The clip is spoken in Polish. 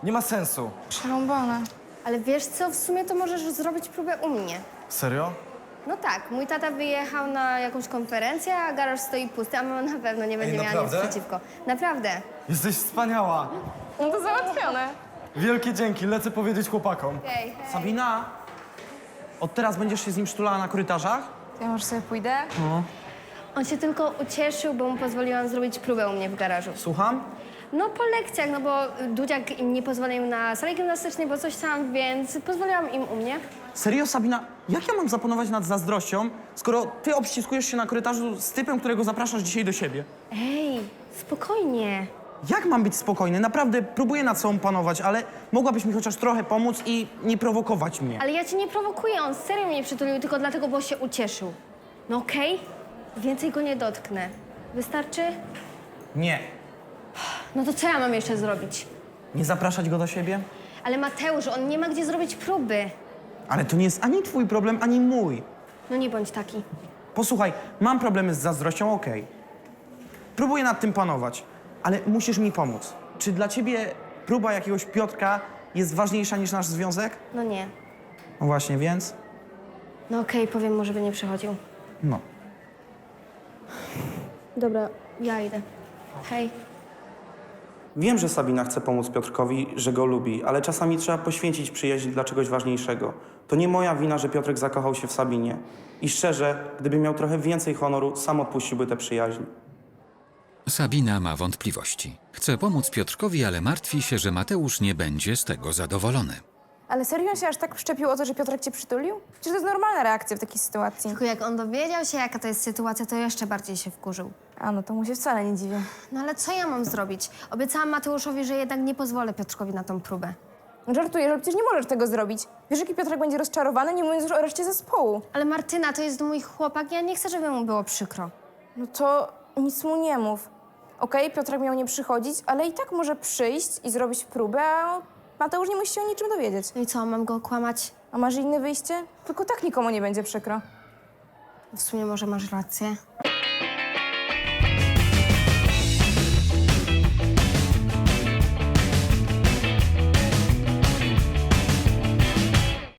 Nie ma sensu. Przerąbane. Ale wiesz co, w sumie to możesz zrobić próbę u mnie. Serio? No tak, mój tata wyjechał na jakąś konferencję, a garaż stoi pusty, a mama na pewno nie będzie miała nic naprawdę? przeciwko. Naprawdę. Jesteś wspaniała. No to załatwione. Wielkie dzięki, lecę powiedzieć chłopakom. Hej. Sabina, od teraz będziesz się z nim sztulała na korytarzach? To ja może sobie pójdę? On się tylko ucieszył, bo mu pozwoliłam zrobić próbę u mnie w garażu. Słucham? No po lekcjach, no bo Dudziak im nie pozwolił na sali gimnastycznej, bo coś tam, więc pozwoliłam im u mnie. Serio, Sabina? Jak ja mam zapanować nad zazdrością, skoro ty obściskujesz się na korytarzu z typem, którego zapraszasz dzisiaj do siebie? Ej, spokojnie. Jak mam być spokojny? Naprawdę próbuję nad sobą panować, ale mogłabyś mi chociaż trochę pomóc i nie prowokować mnie. Ale ja cię nie prowokuję, on serio mnie przytulił tylko dlatego, bo się ucieszył. No okej? Więcej go nie dotknę. Wystarczy? Nie. No to co ja mam jeszcze zrobić? Nie zapraszać go do siebie? Ale Mateusz, on nie ma gdzie zrobić próby. Ale to nie jest ani twój problem, ani mój. No nie bądź taki. Posłuchaj, mam problemy z zazdrością, okej. Próbuję nad tym panować, ale musisz mi pomóc. Czy dla ciebie próba jakiegoś Piotrka jest ważniejsza niż nasz związek? No nie. No właśnie, więc? No okej, powiem mu, żeby nie przychodził. No. Dobra, ja idę. Hej. Wiem, że Sabina chce pomóc Piotrkowi, że go lubi, ale czasami trzeba poświęcić przyjaźń dla czegoś ważniejszego. To nie moja wina, że Piotrek zakochał się w Sabinie. I szczerze, gdyby miał trochę więcej honoru, sam odpuściłby tę przyjaźń. Sabina ma wątpliwości. Chce pomóc Piotrkowi, ale martwi się, że Mateusz nie będzie z tego zadowolony. Ale serio on się aż tak wszczepił o to, że Piotrek cię przytulił? Przecież to jest normalna reakcja w takiej sytuacji. Tylko jak on dowiedział się, jaka to jest sytuacja, to jeszcze bardziej się wkurzył. A no to mu się wcale nie dziwię. No ale co ja mam zrobić? Obiecałam Mateuszowi, że jednak nie pozwolę Piotrkowi na tą próbę. No żartuję, że przecież nie możesz tego zrobić. Wiesz, jaki Piotrek będzie rozczarowany, nie mówiąc już o reszcie zespołu. Ale Martyna, to jest mój chłopak, ja nie chcę, żeby mu było przykro. No to nic mu nie mów. Okej, Piotrek miał nie przychodzić, ale i tak może przyjść i zrobić próbę, a Mateusz nie musi się o niczym dowiedzieć. No i co, mam go okłamać? A masz inne wyjście? Tylko tak nikomu nie będzie przykro. W sumie może masz rację.